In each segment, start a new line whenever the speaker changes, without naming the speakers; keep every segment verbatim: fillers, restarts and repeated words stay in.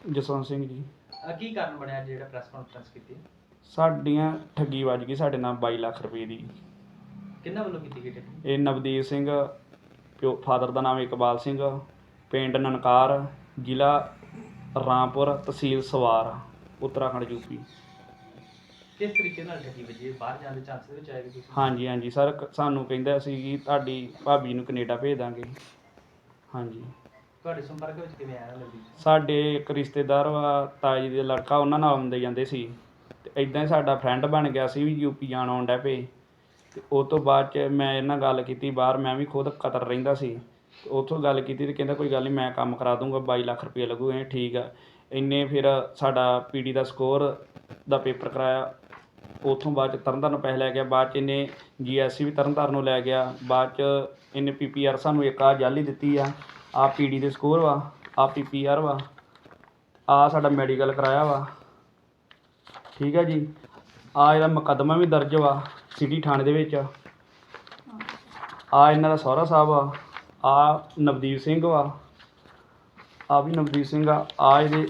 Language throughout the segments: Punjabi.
ਜਸਵੰਤ ਸਿੰਘ ਜੀ।
ਅਹ ਕੀ ਕਾਰਨ ਬਣਿਆ ਜਿਹੜਾ ਪ੍ਰੈਸ ਕਾਨਫਰੰਸ ਕੀਤੀ?
ਸਾਡੀਆਂ ਠੱਗੀ ਵੱਜ ਗਈ ਸਾਡੇ ਨਾਲ ਬਾਈ ਲੱਖ ਰੁਪਏ ਦੀ।
ਕਿਹਨਾਂ ਵੱਲੋਂ ਕੀਤੀ ਗਈ ਠੱਗੀ?
ਇਹ ਨਵਦੀਪ ਸਿੰਘ, ਪਿਓ ਫਾਦਰ ਦਾ ਨਾਮ ਇਕਬਾਲ ਸਿੰਘ, ਪਿੰਡ ਨਨਕਾਰ, ਜ਼ਿਲ੍ਹਾ ਰਾਮਪੁਰ, ਤਹਿਸੀਲ ਸਵਾਰ, ਉੱਤਰਾਖੰਡ ਯੂਪੀ।
ਕਿਸ ਤਰੀਕੇ ਨਾਲ ਠੱਗੀ ਵੱਜੀ? ਬਾਹਰ ਜਾਣ ਦੇ ਚਾਂਸ ਦੇ ਵਿੱਚ ਆਏਗਾ ਤੁਸੀਂ?
ਹਾਂਜੀ ਹਾਂਜੀ ਸਰ, ਸਾਨੂੰ ਕਹਿੰਦਾ ਸੀ ਕਿ ਤੁਹਾਡੀ ਭਾਬੀ ਨੂੰ ਕੈਨੇਡਾ ਭੇਜ ਦਾਂਗੇ। ਹਾਂਜੀ।
ਤੁਹਾਡੇ ਸੰਪਰਕ ਵਿੱਚ ਕਿਵੇਂ ਆਇਆ ਨਵਦੀਪ?
ਸਾਡੇ ਇੱਕ ਰਿਸ਼ਤੇਦਾਰ ਵਾ ਤਾਇਆ ਜੀ ਦੇ ਲੜਕਾ, ਉਹਨਾਂ ਨਾਲ ਆਉਂਦੇ ਜਾਂਦੇ ਸੀ ਅਤੇ ਇੱਦਾਂ ਹੀ ਸਾਡਾ ਫਰੈਂਡ ਬਣ ਗਿਆ ਸੀ ਵੀ ਯੂਪੀ ਜਾਣ ਆਉਣ ਡੈ ਪਏ। ਅਤੇ ਉਹ ਤੋਂ ਬਾਅਦ 'ਚ ਮੈਂ ਇਹਨਾਂ ਨਾਲ ਗੱਲ ਕੀਤੀ ਬਾਹਰ, ਮੈਂ ਵੀ ਖੁਦ ਕਤਰ ਰਹਿੰਦਾ ਸੀ। ਉੱਥੋਂ ਗੱਲ ਕੀਤੀ ਅਤੇ ਕਹਿੰਦਾ ਕੋਈ ਗੱਲ ਨਹੀਂ ਮੈਂ ਕੰਮ ਕਰਾ ਦੂੰਗਾ, ਬਾਈ ਲੱਖ ਰੁਪਏ ਲੱਗੂ। ਇਹ ਠੀਕ ਆ। ਇੰਨੇ ਫਿਰ ਸਾਡਾ ਪੀ ਡੀ ਦਾ ਸਕੋਰ ਦਾ ਪੇਪਰ ਕਰਾਇਆ। ਉੱਥੋਂ ਬਾਅਦ 'ਚ ਤਰਨ ਤਾਰਨ ਪੈਸੇ ਲੈ ਗਿਆ। ਬਾਅਦ 'ਚ ਇਹਨੇ ਜੀ ਐਸ ਸੀ ਵੀ ਤਰਨ ਤਾਰਨ ਨੂੰ ਲੈ ਗਿਆ। ਬਾਅਦ 'ਚ ਇਹਨੇ ਪੀ ਪੀ ਆਰ ਸਾਨੂੰ ਇੱਕ ਆਹ ਜਾਲੀ ਦਿੱਤੀ ਆ। ਆਹ ਪੀ ਡੀ ਦੇ ਸਕੋਰ ਵਾ, ਆਹ ਪੀ ਪੀ ਆਰ ਵਾ, ਆਹ ਸਾਡਾ ਮੈਡੀਕਲ ਕਰਾਇਆ ਵਾ। ਠੀਕ ਹੈ ਜੀ। ਆਹ ਇਹਦਾ ਮੁਕੱਦਮਾ ਵੀ ਦਰਜ ਵਾ ਸਿਟੀ ਥਾਣੇ ਦੇ ਵਿੱਚ। ਆਹ ਇਹਨਾਂ ਦਾ ਸਹੁਰਾ ਸਾਹਿਬ ਆ। ਆਹ ਨਵਦੀਪ ਸਿੰਘ ਵਾ, ਆਹ ਵੀ ਨਵਦੀਪ ਸਿੰਘ ਆ। ਆਹ ਇਹਦੇ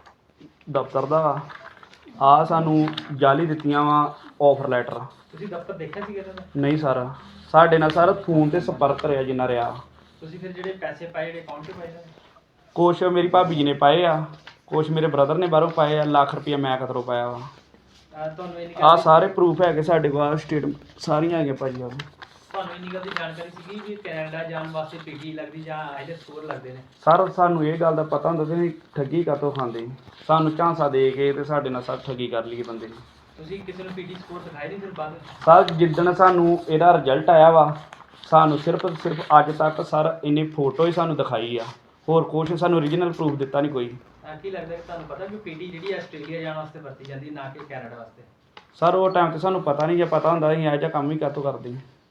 ਦਫ਼ਤਰ ਦਾ ਵਾ। ਆਹ ਸਾਨੂੰ ਜਾਲੀ ਦਿੱਤੀਆਂ ਵਾ ਆਫਰ ਲੈਟਰ।
ਤੁਸੀਂ ਦਫ਼ਤਰ ਦੇਖਿਆ ਸੀਗਾ ਇਹਨਾਂ ਦਾ?
ਨਹੀਂ ਸਰ, ਸਾਡੇ ਨਾਲ ਸਰ ਫੋਨ 'ਤੇ ਸੰਪਰਕ ਰਿਹਾ ਜਿੰਨਾ ਰਿਹਾ।
ਤੁਸੀਂ ਫਿਰ ਜਿਹੜੇ ਪੈਸੇ ਪਾਏ ਜਿਹੜੇ ਅਕਾਊਂਟ 'ਤੇ ਪਾਏ ਨੇ?
ਕੁਛ ਮੇਰੀ ਭਾਬੀ ਜੀ ਨੇ ਪਾਏ ਆ, ਕੁਛ ਮੇਰੇ ਬ੍ਰਦਰ ਨੇ ਬਾਹਰੋਂ ਪਾਏ ਆ। ਲੱਖ ਰੁਪਈਆ ਮੈਂ ਕਿਧਰੋਂ ਪਾਇਆ ਵਾ।
ਅਹ ਤੁਹਾਨੂੰ ਇੰਨੀ
ਆਹ
ਗੱਲ
ਸਾਰੇ ਪ੍ਰੂਫ ਹੈਗੇ ਸਾਡੇ ਕੋਲ, ਸਟੇਟਮੈਂਟ ਸਾਰੀਆਂ ਹੈਗੀਆਂ ਭਾਜੀ। ਆਹ
ਤੁਹਾਨੂੰ ਇੰਨੀ ਗੱਲ ਦੀ ਜਾਣਕਾਰੀ ਸੀਗੀ ਵੀ ਕੈਨੇਡਾ ਜਾਣ ਵਾਸਤੇ ਪੀ ਟੀ ਲੱਗਦੀ ਜਾਂ ਆਈਲੈਟ ਸਕੋਰ ਲੱਗਦੇ ਨੇ?
ਸਰ ਸਾਨੂੰ ਇਹ ਗੱਲ ਦਾ ਪਤਾ ਹੁੰਦਾ ਸੀ ਠੱਗੀ ਕਾਹਤੋਂ ਖਾਂਦੇ। ਸਾਨੂੰ ਝਾਂਸਾ ਦੇ ਕੇ ਅਤੇ ਸਾਡੇ ਨਾਲ ਸਰ ਠੱਗੀ ਕਰ ਲਈ ਬੰਦੇ ਨੇ।
ਤੁਸੀਂ ਕਿਸੇ ਨੂੰ ਪੀ ਟੀ ਸਕੋਰ ਦਿਖਾਏ ਨਹੀਂ ਫਿਰ ਬਾਅਦ?
ਸਰ ਜਿੱਦਣ ਸਾਨੂੰ ਇਹਦਾ ਰਿਜ਼ਲਟ ਆਇਆ ਵਾ, ਸਾਨੂੰ ਸਿਰਫ ਸਿਰਫ ਅੱਜ ਤੱਕ ਸਰ ਇਹਨੇ ਫੋਟੋ ਹੀ ਸਾਨੂੰ ਦਿਖਾਈ ਆ, ਹੋਰ ਕੁਛ ਸਾਨੂੰ ਓਰੀਜਨਲ ਪ੍ਰੂਫ ਦਿੱਤਾ ਨਹੀਂ ਕੋਈ।
ਅਹ ਕੀ ਲੱਗਦਾ ਕਿ ਤੁਹਾਨੂੰ ਪਤਾ ਕਿ ਪੀ ਟੀ ਜਿਹੜੀ ਹੈ ਆਸਟ੍ਰੇਲੀਆ ਜਾਣ ਵਾਸਤੇ ਵਰਤੀ ਜਾਂਦੀ ਨਾ ਕਿ ਕੈਨੇਡਾ ਵਾਸਤੇ?
ਸਰ ਉਹ ਟਾਈਮ 'ਤੇ ਸਾਨੂੰ ਪਤਾ ਨਹੀਂ, ਜੇ ਪਤਾ ਹੁੰਦਾ ਅਸੀਂ ਇਹੋ ਜਿਹਾ ਕੰਮ ਹੀ ਕਾਹਤੋਂ ਕਰਦੇ।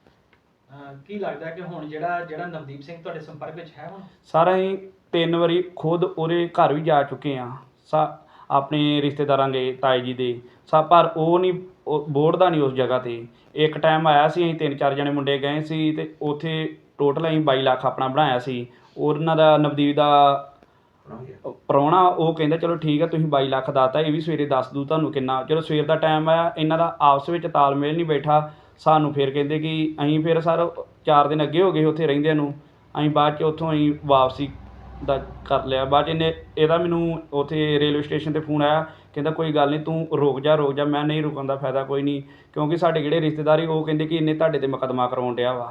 ਅਹ ਕੀ ਲੱਗਦਾ ਕਿ ਹੁਣ ਜਿਹੜਾ ਜਿਹੜਾ ਨਵਦੀਪ ਸਿੰਘ ਤੁਹਾਡੇ ਸੰਪਰਕ ਵਿੱਚ ਹੈ ਹੁਣ?
ਸਰ ਅਸੀਂ ਤਿੰਨ ਵਾਰੀ ਖੁਦ ਉਹਦੇ ਘਰ ਵੀ ਜਾ ਚੁੱਕੇ ਹਾਂ, ਸਾ ਆਪਣੇ ਰਿਸ਼ਤੇਦਾਰਾਂ ਦੇ, ਤਾਏ ਜੀ ਦੇ ਸਾ, ਪਰ ਉਹ ਨਹੀਂ ਬੋੜਦਾ ਨਹੀਂ ਉਸ ਜਗ੍ਹਾ 'ਤੇ। ਇੱਕ ਟਾਈਮ ਆਇਆ ਸੀ, ਅਸੀਂ ਤਿੰਨ ਚਾਰ ਜਣੇ ਮੁੰਡੇ ਗਏ ਸੀ ਅਤੇ ਉੱਥੇ ਟੋਟਲ ਅਸੀਂ ਬਾਈ ਲੱਖ ਆਪਣਾ ਬਣਾਇਆ ਸੀ। ਉਹਨਾਂ ਦਾ ਨਵਦੀਪ ਦਾ ਪ੍ਰਾਹੁਣਾ ਉਹ ਕਹਿੰਦਾ ਚਲੋ ਠੀਕ ਹੈ ਤੁਸੀਂ ਬਾਈ ਲੱਖ ਦੱਸਤਾ, ਇਹ ਵੀ ਸਵੇਰੇ ਦੱਸ ਦੂ ਤੁਹਾਨੂੰ ਕਿੰਨਾ। ਜਦੋਂ ਸਵੇਰ ਦਾ ਟਾਈਮ ਆਇਆ ਇਹਨਾਂ ਦਾ ਆਪਸ ਵਿੱਚ ਤਾਲਮੇਲ ਨਹੀਂ ਬੈਠਾ। ਸਾਨੂੰ ਫਿਰ ਕਹਿੰਦੇ ਕਿ ਅਸੀਂ ਫਿਰ ਸਰ ਚਾਰ ਦਿਨ ਅੱਗੇ ਹੋ ਗਏ ਉੱਥੇ ਰਹਿੰਦਿਆਂ ਨੂੰ। ਅਸੀਂ ਬਾਅਦ 'ਚ ਉੱਥੋਂ ਅਸੀਂ ਵਾਪਸੀ ਦਾ ਕਰ ਲਿਆ। ਬਾਅਦ 'ਚ ਇਹਨੇ ਇਹਦਾ ਮੈਨੂੰ ਉੱਥੇ ਰੇਲਵੇ ਸਟੇਸ਼ਨ 'ਤੇ ਫੋਨ ਆਇਆ, ਕਹਿੰਦਾ ਕੋਈ ਗੱਲ ਨਹੀਂ ਤੂੰ ਰੁਕ ਜਾ ਰੁਕ ਜਾ। ਮੈਂ ਨਹੀਂ ਰੁਕਣ ਦਾ ਫਾਇਦਾ ਕੋਈ ਨਹੀਂ, ਕਿਉਂਕਿ ਸਾਡੇ ਜਿਹੜੇ ਰਿਸ਼ਤੇਦਾਰ ਉਹ ਕਹਿੰਦੇ ਕਿ ਇਹਨੇ ਤੁਹਾਡੇ 'ਤੇ ਮੁਕੱਦਮਾ ਕਰਵਾਉਣ ਡਿਆ ਵਾ।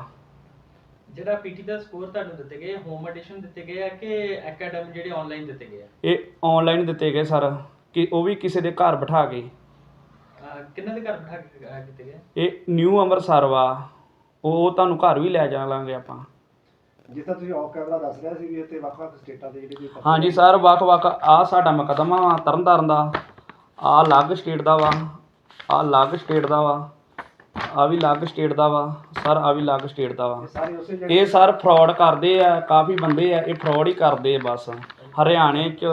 ਜਿਹੜਾ ਪੀ ਟੀ ਦਾ ਸਕੋਰ ਤੁਹਾਨੂੰ ਦਿੱਤੇ ਗਏ ਹੋਮ ਐਡੀਸ਼ਨ ਦਿੱਤੇ ਗਏ ਆ ਕਿ ਅਕੈਡਮੀ ਜਿਹੜੇ ਆਨਲਾਈਨ ਦਿੱਤੇ ਗਏ ਆ?
ਇਹ ਆਨਲਾਈਨ ਦਿੱਤੇ ਗਏ ਸਰ, ਕਿ ਉਹ ਵੀ ਕਿਸੇ ਦੇ ਘਰ ਬਿਠਾ ਕੇ।
ਅਹ ਕਿਹਨਾਂ ਦੇ ਘਰ ਬਿਠਾ ਕੇ ਅਹ ਕੀਤੇ ਗਏ?
ਇਹ ਨਿਊ ਅੰਮ੍ਰਿਤਸਰ ਵਾ, ਉਹ ਤੁਹਾਨੂੰ ਘਰ ਵੀ ਲੈ ਜਾਵਾਂਗੇ ਆਪਾਂ।
ਜਿਸ ਤਰ੍ਹਾਂ ਤੁਸੀਂ ਆਫ ਕੈਮਰਾ ਦੱਸ ਰਿਹਾ ਸੀ ਵੀ ਇੱਥੇ ਵੱਖ-ਵੱਖ ਸਟੇਟਾਂ ਦੇ ਜਿਹੜੇ ਵੀ ਪਰਚੇ
ਹਾਂਜੀ ਸਰ, ਵੱਖ-ਵੱਖ। ਆਹ ਸਾਡਾ ਮੁਕੱਦਮਾ ਵਾ ਤਰਨ ਤਾਰਨ ਦਾ, ਆਹ ਅਲੱਗ ਸਟੇਟ ਦਾ ਵਾ, ਆਹ ਅਲੱਗ ਸਟੇਟ ਦਾ ਵਾ, ਆਹ ਵੀ ਅਲੱਗ ਸਟੇਟ ਦਾ ਵਾ ਸਰ, ਆਹ ਵੀ ਅਲੱਗ ਸਟੇਟ ਦਾ ਵਾ।
ਇਹ ਸਾਰੇ ਉਸੇ ਜਗ੍ਹਾ
ਇਹ ਸਰ ਫਰਾਡ ਕਰਦੇ ਆ, ਕਾਫੀ ਬੰਦੇ ਆ ਇਹ ਫਰਾਡ ਹੀ ਕਰਦੇ ਆ ਬਸ। ਹਰਿਆਣੇ 'ਚ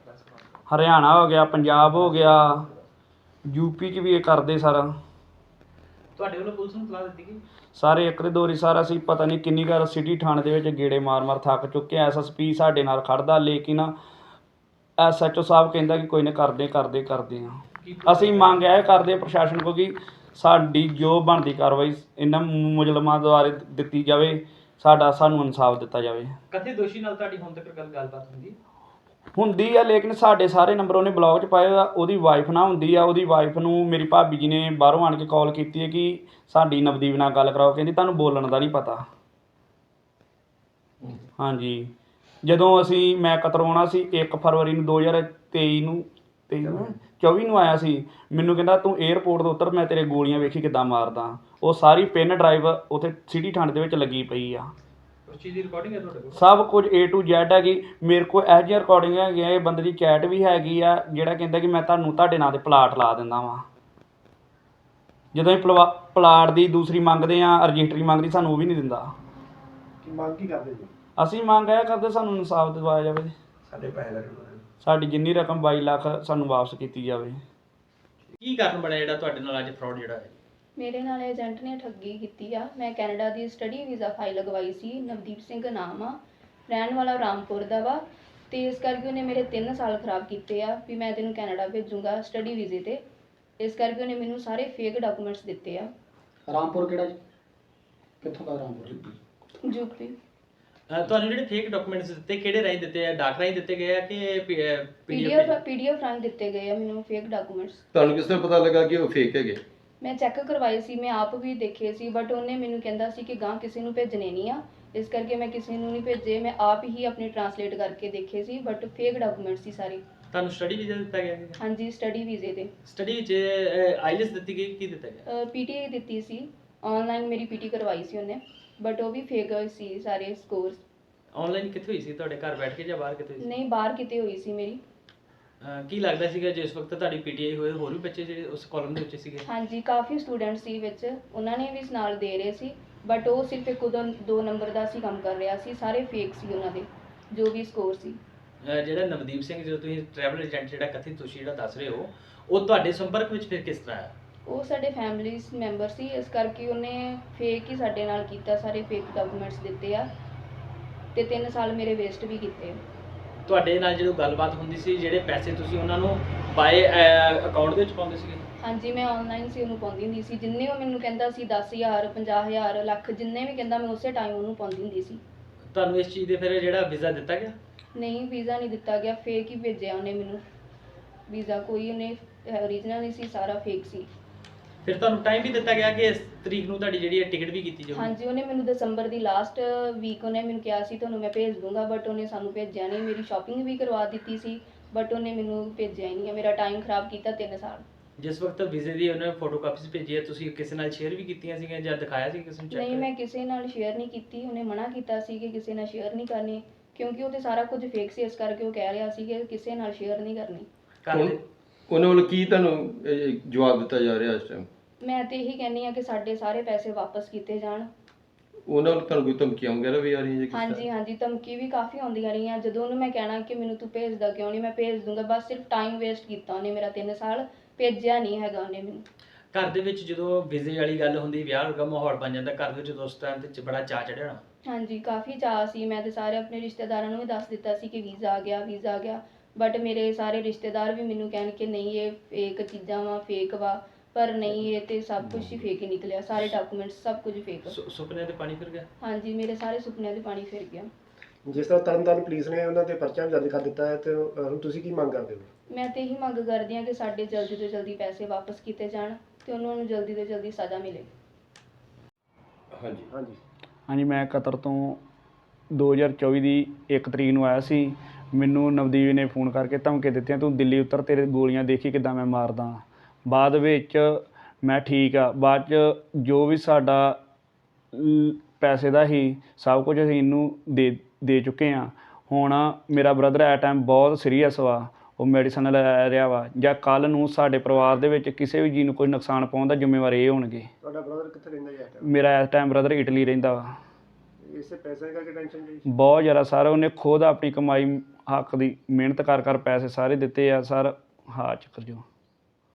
ਹਰਿਆਣਾ ਹੋ ਗਿਆ, ਪੰਜਾਬ ਹੋ ਗਿਆ, ਯੂਪੀ 'ਚ ਵੀ ਇਹ ਕਰਦੇ ਸਰ।
ਤੁਹਾਡੇ ਵੱਲੋਂ ਪੁਲਿਸ ਨੂੰ ਸਲਾਹ ਦਿੱਤੀ ਗਈ?
ਸਾਰੇ ਇੱਕ ਦੇ ਦੋ ਵਾਰੀ ਸਰ ਅਸੀਂ ਪਤਾ ਨਹੀਂ ਕਿੰਨੀ ਵਾਰ ਸਿਟੀ ਥਾਣੇ ਦੇ ਵਿੱਚ ਗੇੜੇ ਮਾਰ ਮਾਰ ਥੱਕ ਚੁੱਕੇ ਹਾਂ। ਐਸ ਐਸ ਪੀ ਸਾਡੇ ਨਾਲ ਖੜਦਾ, ਲੇਕਿਨ ਐਸ ਐਚ ਓ ਸਾਹਿਬ ਕਹਿੰਦਾ ਕਿ ਕੋਈ ਨਾ ਕਰਦੇ ਕਰਦੇ ਕਰਦੇ ਹਾਂ।
ਕੀ
ਅਸੀਂ ਮੰਗ ਇਹ ਕਰਦੇ ਹਾਂ ਪ੍ਰਸ਼ਾਸਨ ਕੋਲ ਕਿ ਸਾਡੀ ਜੋ ਬਣਦੀ ਕਾਰਵਾਈ ਇਹਨਾਂ ਮੁਜਰਮਾਂ ਦੁਆਰਾ ਦਿੱਤੀ ਜਾਵੇ, ਸਾਡਾ ਸਾਨੂੰ ਇਨਸਾਫ ਦਿੱਤਾ ਜਾਵੇ।
ਕਥਿਤ ਦੋਸ਼ੀ ਨਾਲ ਤੁਹਾਡੀ ਹੁਣ ਤੱਕ ਗੱਲ ਗੱਲਬਾਤ ਹੁੰਦੀ ਹੈ?
ਹੁੰਦੀ ਆ, ਲੇਕਿਨ ਸਾਡੇ ਸਾਰੇ ਨੰਬਰ ਉਹਨੇ ਬਲੌਕ 'ਚ ਪਾਏ ਆ। ਉਹਦੀ ਵਾਈਫ ਨਾਲ ਹੁੰਦੀ ਆ। ਉਹਦੀ ਵਾਈਫ ਨੂੰ ਮੇਰੀ ਭਾਬੀ ਜੀ ਨੇ ਬਾਹਰੋਂ ਆਣ ਕੇ ਕਾਲ ਕੀਤੀ ਹੈ ਕਿ ਸਾਡੀ ਨਵਦੀਪ ਨਾਲ ਗੱਲ ਕਰਾਓ। ਕਹਿੰਦੀ ਤੁਹਾਨੂੰ ਬੋਲਣ ਦਾ ਨਹੀਂ ਪਤਾ। ਹਾਂਜੀ, ਜਦੋਂ ਅਸੀਂ ਮੈਂ ਕਤਰਾਉਣਾ ਸੀ ਇੱਕ ਫਰਵਰੀ ਨੂੰ ਦੋ ਹਜ਼ਾਰ ਤੇਈ ਨੂੰ ਤੇਈ ਨੂੰ ਚੌਵੀ ਨੂੰ ਆਇਆ ਸੀ, ਮੈਨੂੰ ਕਹਿੰਦਾ ਤੂੰ ਏਅਰਪੋਰਟ ਤੋਂ ਉੱਤਰ, ਮੈਂ ਤੇਰੇ ਗੋਲੀਆਂ ਵੇਖੀ ਕਿੱਦਾਂ ਮਾਰਦਾ। ਉਹ ਸਾਰੀ ਪਿੰਨ ਡਰਾਈਵ ਉੱਥੇ ਸਿਟੀ ਥਾਣੇ ਦੇ ਵਿੱਚ ਲੱਗੀ ਪਈ ਆ।
ਉਸ ਚੀਜ਼ ਦੀ ਰਿਕਾਰਡਿੰਗ ਹੈ ਤੁਹਾਡੇ ਕੋਲ?
ਸਭ ਕੁਝ ਏ ਟੂ ਜ਼ੈਡ ਹੈਗੀ ਮੇਰੇ ਕੋਲ। ਇਹੋ ਜਿਹੀਆਂ ਰਿਕਾਰਡਿੰਗ ਹੈਗੀਆਂ, ਇਹ ਬੰਦੇ ਦੀ ਚੈਟ ਵੀ ਹੈਗੀ ਆ ਜਿਹੜਾ ਕਹਿੰਦਾ ਕਿ ਮੈਂ ਤੁਹਾਨੂੰ ਤੁਹਾਡੇ ਨਾਂ 'ਤੇ ਪਲਾਟ ਲਾ ਦਿੰਦਾ ਵਾਂ। ਜਦੋਂ ਅਸੀਂ ਪਲਵਾ ਪਲਾਟ ਦੀ ਦੂਸਰੀ ਮੰਗਦੇ ਹਾਂ, ਰਜਿਸਟਰੀ ਮੰਗਦੀ, ਸਾਨੂੰ ਉਹ ਵੀ ਨਹੀਂ ਦਿੰਦਾ।
ਕੀ ਮੰਗ ਕੀ ਕਰਦੇ ਜੀ?
ਅਸੀਂ ਮੰਗ ਇਹ ਕਰਦੇ ਸਾਨੂੰ ਇਨਸਾਫ ਦਿਵਾਇਆ ਜਾਵੇ,
ਸਾਡੇ ਪੈਸੇ
ਸਾਡੀ ਜਿੰਨੀ ਰਕਮ ਬਾਈ ਲੱਖ ਸਾਨੂੰ ਵਾਪਸ ਕੀਤੀ ਜਾਵੇ।
ਕੀ ਕਾਰਨ ਬਣਿਆ ਜਿਹੜਾ ਤੁਹਾਡੇ ਨਾਲ ਅੱਜ ਫਰਾਡ ਜਿਹੜਾ ਹੈ?
ਮੇਰੇ ਨਾਲ ਏਜੰਟ ਨੇ ਠੱਗੀ ਕੀਤੀ ਆ। ਮੈਂ ਕੈਨੇਡਾ ਦੀ ਸਟੱਡੀ ਵੀਜ਼ਾ ਫਾਈਲ ਲਗਵਾਈ ਸੀ। ਨਵਦੀਪ ਸਿੰਘ ਨਾਮ ਆ, ਰਹਿਣ ਵਾਲਾ ਰਾਮਪੁਰ ਦਾ ਵਾ। ਤੇ ਇਸ ਕਰਕੇ ਉਹਨੇ ਮੇਰੇ ਤਿੰਨ ਸਾਲ ਖਰਾਬ ਕੀਤੇ ਆ ਵੀ ਮੈਂ ਤੈਨੂੰ ਕੈਨੇਡਾ ਭੇਜੂੰਗਾ ਸਟੱਡੀ ਵੀਜ਼ੇ ਤੇ। ਇਸ ਕਰਕੇ ਉਹਨੇ ਮੈਨੂੰ ਸਾਰੇ ਫੇਕ ਡਾਕੂਮੈਂਟਸ ਦਿੱਤੇ ਆ।
ਰਾਮਪੁਰ ਕਿਹੜਾ ਜੀ? ਕਿੱਥੋਂ ਦਾ ਰਾਮਪੁਰ?
ਯੂਪੀ।
ਅਹ ਤੁਹਾਨੂੰ ਜਿਹੜੇ ਫੇਕ ਡਾਕੂਮੈਂਟਸ ਦਿੱਤੇ ਕਿਹੜੇ ਰਾਹੀਂ ਦਿੱਤੇ ਆ? ਡਾਕ ਰਾਹੀਂ ਦਿੱਤੇ ਗਏ ਆ ਕਿ
ਪੀਡੀਐਫ
ਪੀਡੀਐਫ?
ਪੀਡੀਐਫ ਰਾਹੀਂ ਦਿੱਤੇ ਗਏ ਆ ਮੈਨੂੰ ਫੇਕ ਡਾਕੂਮੈਂਟਸ।
ਤੁਹਾਨੂੰ ਕਿਸ ਤਰ੍ਹਾਂ ਪਤਾ ਲੱਗਾ ਕਿ ਉਹ ਫੇਕ ਹੈਗੇ?
ਮੈਂ ਚੈੱਕ ਕਰਵਾਏ ਸੀ, ਮੈਂ ਆਪ ਵੀ ਦੇਖੇ ਸੀ, ਬਟ ਉਹਨੇ ਮੈਨੂੰ ਕਹਿੰਦਾ ਸੀ ਕਿ ਗਾਂ ਕਿਸੇ ਨੂੰ ਭੇਜਣੇ ਨਹੀਂ ਆ, ਇਸ ਕਰਕੇ ਮੈਂ ਕਿਸੇ ਨੂੰ ਨਹੀਂ ਭੇਜੇ। ਮੈਂ ਆਪ ਹੀ ਆਪਣੀ ਟਰਾਂਸਲੇਟ ਕਰਕੇ ਦੇਖੇ ਸੀ, ਬਟ ਫੇਕ ਡਾਕੂਮੈਂਟਸ ਸੀ ਸਾਰੇ।
ਤੁਹਾਨੂੰ ਸਟੱਡੀ ਵੀਜ਼ਾ ਦਿੱਤਾ ਗਿਆ ਸੀ?
ਹਾਂਜੀ, ਸਟੱਡੀ ਵੀਜ਼ੇ ਤੇ।
ਸਟੱਡੀ ਵਿੱਚ ਆਈਲੈਟਸ ਦਿੱਤੀ ਗਈ, ਕੀ ਦਿੱਤਾ ਗਿਆ?
ਪੀਟੀ ਦਿੱਤੀ ਸੀ, ਆਨਲਾਈਨ ਮੇਰੀ ਪੀਟੀ ਕਰਵਾਈ ਸੀ ਉਹਨੇ, ਬਟ ਉਹ ਵੀ ਫੇਕ ਸੀ ਸਾਰੇ ਸਕੋਰਸ।
ਆਨਲਾਈਨ ਕਿੱਥੇ ਹੋਈ ਸੀ? ਤੁਹਾਡੇ ਘਰ ਬੈਠ ਕੇ ਜਾਂ ਬਾਹਰ ਕਿਤੇ ਹੋਈ ਸੀ?
ਨਹੀਂ, ਬਾਹਰ ਕਿਤੇ ਹੋਈ ਸੀ ਮੇਰੀ।
ਅਹ ਕੀ ਲੱਗਦਾ ਸੀਗਾ ਜਿਸ ਵਕਤ ਤੁਹਾਡੀ ਪੀਟੀਆਈ ਹੋਏ ਹੋਰ ਵੀ ਬੱਚੇ ਜਿਹੜੇ ਉਸ ਕਾਲਮ ਦੇ ਵਿੱਚ ਸੀਗੇ?
ਹਾਂਜੀ, ਕਾਫੀ ਸਟੂਡੈਂਟ ਸੀ ਵਿੱਚ, ਉਹਨਾਂ ਨੇ ਵੀ ਨਾਲ ਦੇ ਰਹੇ ਸੀ, ਬਟ ਉਹ ਸਿਰਫ ਇੱਕ ਉਦੋਂ ਦੋ ਨੰਬਰ ਦਾ ਸੀ ਕੰਮ ਕਰ ਰਿਹਾ ਸੀ, ਸਾਰੇ ਫੇਕ ਸੀ ਉਹਨਾਂ ਦੇ ਜੋ ਵੀ ਸਕੋਰ ਸੀ।
ਅਹ ਜਿਹੜਾ ਨਵਦੀਪ ਸਿੰਘ, ਜਦੋਂ ਤੁਸੀਂ ਟਰੈਵਲ ਏਜੰਟ ਜਿਹੜਾ ਕਥਿਤ ਤੁਸੀਂ ਜਿਹੜਾ ਦੱਸ ਰਹੇ ਹੋ, ਉਹ ਤੁਹਾਡੇ ਸੰਪਰਕ ਵਿੱਚ ਫਿਰ ਕਿਸ ਤਰ੍ਹਾਂ ਆਇਆ?
ਉਹ ਸਾਡੇ ਫੈਮਿਲੀ ਮੈਂਬਰ ਸੀ, ਇਸ ਕਰਕੇ ਉਹਨੇ ਫੇਕ ਹੀ ਸਾਡੇ ਨਾਲ ਕੀਤਾ, ਸਾਰੇ ਫੇਕ ਡਾਕੂਮੈਂਟਸ ਦਿੱਤੇ ਆ ਤੇ ਤਿੰਨ ਸਾਲ ਮੇਰੇ ਵੇਸਟ ਵੀ ਕੀਤੇ।
ਤੁਹਾਡੇ ਨਾਲ ਜਦੋਂ ਗੱਲਬਾਤ ਹੁੰਦੀ ਸੀ, ਜਿਹੜੇ ਪੈਸੇ ਤੁਸੀਂ ਉਹਨਾਂ ਨੂੰ ਬਾਏ ਅਕਾਊਂਟ ਦੇ ਵਿੱਚ ਪਾਉਂਦੇ ਸੀਗੇ?
ਹਾਂਜੀ, ਮੈਂ ਆਨਲਾਈਨ ਸੀ ਉਹਨੂੰ ਪਾਉਂਦੀ ਹੁੰਦੀ ਸੀ, ਜਿੰਨੇ ਉਹ ਮੈਨੂੰ ਕਹਿੰਦਾ ਸੀ ਦਸ ਹਜ਼ਾਰ ਪੰਜਾਹ ਹਜ਼ਾਰ ਲੱਖ, ਜਿੰਨੇ ਵੀ ਕਹਿੰਦਾ ਮੈਂ ਉਸੇ ਟਾਈਮ ਉਹਨੂੰ ਪਾਉਂਦੀ ਹੁੰਦੀ ਸੀ।
ਤੁਹਾਨੂੰ ਇਸ ਚੀਜ਼ ਦੇ ਫਿਰ ਜਿਹੜਾ ਵੀਜ਼ਾ ਦਿੱਤਾ ਗਿਆ?
ਨਹੀਂ, ਵੀਜ਼ਾ ਨਹੀਂ ਦਿੱਤਾ ਗਿਆ, ਫੇਕ ਹੀ ਭੇਜਿਆ ਉਹਨੇ ਮੈਨੂੰ ਵੀਜ਼ਾ, ਕੋਈ ਉਹਨੇ ਓਰੀਜਨਲ ਨਹੀਂ ਸੀ, ਸਾਰਾ ਫੇਕ ਸੀ।
ਫਿਰ ਤੁਹਾਨੂੰ ਟਾਈਮ ਵੀ ਦਿੱਤਾ ਗਿਆ ਕਿ ਇਸ ਤਰੀਕ ਨੂੰ ਤੁਹਾਡੀ ਜਿਹੜੀ ਹੈ ਟਿਕਟ ਵੀ ਕੀਤੀ ਜਾਊਗੀ?
ਹਾਂਜੀ, ਉਹਨੇ ਮੈਨੂੰ ਦਸੰਬਰ ਦੀ ਲਾਸਟ ਵੀਕ ਉਹਨੇ ਮੈਨੂੰ ਕਿਹਾ ਸੀ ਤੁਹਾਨੂੰ ਮੈਂ ਭੇਜ ਦੂੰਗਾ, ਬਟ ਉਹਨੇ ਸਾਨੂੰ ਭੇਜਿਆ ਨਹੀਂ। ਮੇਰੀ ਸ਼ਾਪਿੰਗ ਵੀ ਕਰਵਾ ਦਿੱਤੀ ਸੀ, ਬਟ ਉਹਨੇ ਮੈਨੂੰ ਭੇਜਿਆ ਹੀ ਨਹੀਂ, ਮੇਰਾ ਟਾਈਮ ਖਰਾਬ ਕੀਤਾ ਤਿੰਨ ਸਾਲ।
ਜਿਸ ਵਕਤ ਵੀਜ਼ੇ ਦੀ ਉਹਨੇ ਫੋਟੋ ਕਾਪੀਸ ਭੇਜੀ ਹੈ, ਤੁਸੀਂ ਕਿਸੇ ਨਾਲ ਸ਼ੇਅਰ ਵੀ ਕੀਤੀਆਂ ਸੀਗੀਆਂ ਜਾਂ ਦਿਖਾਇਆ ਸੀ ਕਿਸੇ ਨੂੰ ਚੈੱਕ?
ਨਹੀਂ, ਮੈਂ ਕਿਸੇ ਨਾਲ ਸ਼ੇਅਰ ਨਹੀਂ ਕੀਤੀ, ਉਹਨੇ ਮਨਾ ਕੀਤਾ ਸੀ ਕਿ ਕਿਸੇ ਨਾਲ ਸ਼ੇਅਰ ਨਹੀਂ ਕਰਨੀ, ਕਿਉਂਕਿ ਉਹ ਤੇ ਸਾਰਾ ਕੁਝ ਫੇਕ ਸੀ, ਇਸ ਕਰਕੇ ਉਹ ਕਹਿ ਰਿਹਾ ਸੀ ਕਿ ਕਿਸੇ ਨਾਲ ਸ਼ੇਅਰ ਨਹੀਂ ਕਰਨੀ।
ਘਰ ਦੇ
ਉਹਨਾਂ ਵੱਲੋਂ ਕੀ ਤੁਹਾਨੂੰ ਇਹ, ਜਵਾਬ ਦਿੱਤਾ ਜਾ ਰਿਹਾ ਇਸ ਟਾਈਮ?
ਮੈਂ ਤੇ ਇਹੀ ਕਹਿੰਦੀ ਆ ਕਿ ਸਾਡੇ ਸਾਰੇ ਪੈਸੇ ਵਾਪਸ ਕੀਤੇ ਜਾਣ।
ਉਹਨਾਂ ਵੱਲੋਂ ਤੁਹਾਨੂੰ ਕੋਈ ਧਮਕੀਆਂ ਵਗੈਰਾ ਵੀ ਆ ਰਹੀਆਂ ਜੀ?
ਹਾਂਜੀ ਹਾਂਜੀ, ਧਮਕੀ ਵੀ ਕਾਫੀ ਆਉਂਦੀਆਂ ਰਹੀਆਂ। ਜਦੋਂ ਉਹਨੂੰ ਮੈਂ ਕਹਿਣਾ ਕਿ ਮੈਨੂੰ ਤੂੰ ਭੇਜਦਾ ਕਿਉਂ ਨਹੀਂ, ਮੈਂ ਭੇਜ ਦੂੰਗਾ, ਬਸ ਸਿਰਫ ਟਾਈਮ ਵੇਸਟ ਕੀਤਾ ਉਹਨੇ ਮੇਰਾ, ਤਿੰਨ ਸਾਲ ਭੇਜਿਆ ਨਹੀਂ ਹੈਗਾ ਉਹਨੇ ਮੈਨੂੰ।
ਘਰ ਦੇ ਵਿੱਚ ਜਦੋਂ ਵੀਜ਼ੇ ਵਾਲੀ ਗੱਲ ਹੁੰਦੀ, ਵਿਆਹ ਵਰਗਾ ਮਾਹੌਲ ਬਣ ਜਾਂਦਾ ਘਰ ਦੇ ਵਿੱਚ, ਉਸ ਟਾਈਮ ਤੇ ਬੜਾ ਚਾਅ ਚੜ੍ਹਿਆ ਹੋਣਾ?
ਹਾਂਜੀ, ਕਾਫੀ ਚਾਅ ਸੀ। ਮੈਂ ਤੇ ਸਾਰੇ ਆਪਣੇ ਰਿਸ਼ਤੇਦਾਰਾਂ ਨੂੰ ਵੀ ਦੱਸ ਦਿੱਤਾ ਸੀ ਕਿ ਵੀਜ਼ਾ ਆ ਗਿਆ ਵੀਜ਼ਾ ਆ ਗਿਆ, ਬਟ ਮੇਰੇ ਸਾਰੇ ਰਿਸ਼ਤੇਦਾਰ ਵੀ ਮੈਨੂੰ ਕਹਿਣ ਕਿ ਨਹੀਂ ਇਹ ਫੇਕ ਚੀਜ਼ਾਂ ਵਾ, ਫੇਕ ਵਾ, ਪਰ ਨਹੀਂ, ਇਹ ਤੇ ਸਭ ਕੁਝ ਹੀ ਫੇਕ ਹੀ ਨਿਕਲਿਆ, ਸਾਰੇ ਡਾਕੂਮੈਂਟਸ ਸਭ ਕੁਝ ਫੇਕ।
ਸੁ- ਸੁਪਨਿਆਂ ਤੇ ਪਾਣੀ ਫਿਰ ਗਿਆ?
ਹਾਂਜੀ, ਮੇਰੇ ਸਾਰੇ ਸੁਪਨਿਆਂ ਦੇ ਪਾਣੀ ਫਿਰ ਗਿਆ।
ਜਿਸ ਤਰ੍ਹਾਂ ਤਰਨਤਾਰਨ ਪੁਲਿਸ ਨੇ ਉਹਨਾਂ ਤੇ ਪਰਚਾ ਵੀ ਦਰਜ ਕਰ ਦਿੱਤਾ ਹੈ, ਤੇ ਅਹ, ਹੁਣ ਤੁਸੀਂ ਕੀ ਮੰਗ ਕਰਦੇ ਹੋ?
ਮੈਂ ਤੇ ਇਹੀ ਮੰਗ ਕਰਦੀ ਹਾਂ ਕਿ ਸਾਡੇ ਜਲਦੀ ਤੋਂ ਜਲਦੀ ਪੈਸੇ ਵਾਪਸ ਕੀਤੇ ਜਾਣ ਤੇ ਉਹਨਾਂ ਨੂੰ ਜਲਦੀ ਤੋਂ ਜਲਦੀ ਸਜ਼ਾ ਮਿਲੇ।
ਹਾਂਜੀ
ਹਾਂਜੀ
ਹਾਂਜੀ, ਮੈਂ ਕਤਰ ਤੋਂ ਦੋ ਹਜ਼ਾਰ ਚੌਵੀ ਦੀ ਇੱਕ ਤਰੀਕ ਨੂੰ ਆਇਆ ਸੀ। ਮੈਨੂੰ ਨਵਦੀਪ ਨੇ ਫੋਨ ਕਰਕੇ ਧਮਕੀ ਦਿੱਤੀਆਂ, ਤੂੰ ਦਿੱਲੀ ਉਤਰ, ਤੇਰੇ ਗੋਲੀਆਂ ਦੇਖੀ ਕਿੱਦਾਂ ਮੈਂ ਮਾਰਦਾ। ਬਾਅਦ ਵਿੱਚ ਮੈਂ ਠੀਕ ਆ, ਬਾਅਦ 'ਚ ਜੋ ਵੀ ਸਾਡਾ ਲ- ਪੈਸੇ ਦਾ ਹੀ ਸਭ ਕੁਝ ਅਸੀਂ ਇਹਨੂੰ ਦੇ ਦੇ ਚੁੱਕੇ ਹਾਂ। ਹੁਣ ਮੇਰਾ ਬ੍ਰਦਰ ਐਟ ਟਾਈਮ ਬਹੁਤ ਸੀਰੀਅਸ ਵਾ, ਉਹ ਮੈਡੀਸਨ ਲੈ ਰਿਹਾ ਵਾ, ਜਾਂ ਕੱਲ੍ਹ ਨੂੰ ਸਾਡੇ ਪਰਿਵਾਰ ਦੇ ਵਿੱਚ ਕਿਸੇ ਵੀ ਜੀਅ ਨੂੰ ਕੋਈ ਨੁਕਸਾਨ ਪਾਉਣ ਦਾ ਜ਼ਿੰਮੇਵਾਰ ਇਹ ਹੋਣਗੇ।
ਤੁਹਾਡਾ ਬ੍ਰਦਰ ਕਿੱਥੇ ਰਹਿੰਦਾ ਜੀ ਇਸ time?
ਮੇਰਾ ਇਸ ਟਾਈਮ ਬ੍ਰਦਰ ਇਟਲੀ ਰਹਿੰਦਾ ਵਾ।
ਇਸੇ ਪੈਸੇ ਕਰਕੇ ਟੈਨਸ਼ਨ ਜੀ?
ਬਹੁਤ ਜ਼ਿਆਦਾ ਸਰ, ਉਹਨੇ ਖੁਦ ਆਪਣੀ ਕਮਾਈ ਹੱਕ ਦੀ ਮਿਹਨਤ ਕਰ ਕਰ ਪੈਸੇ ਸਾਰੇ ਦਿੱਤੇ ਆ ਸਰ। ਹਾਂ ਚੱਕਰ ਜੋ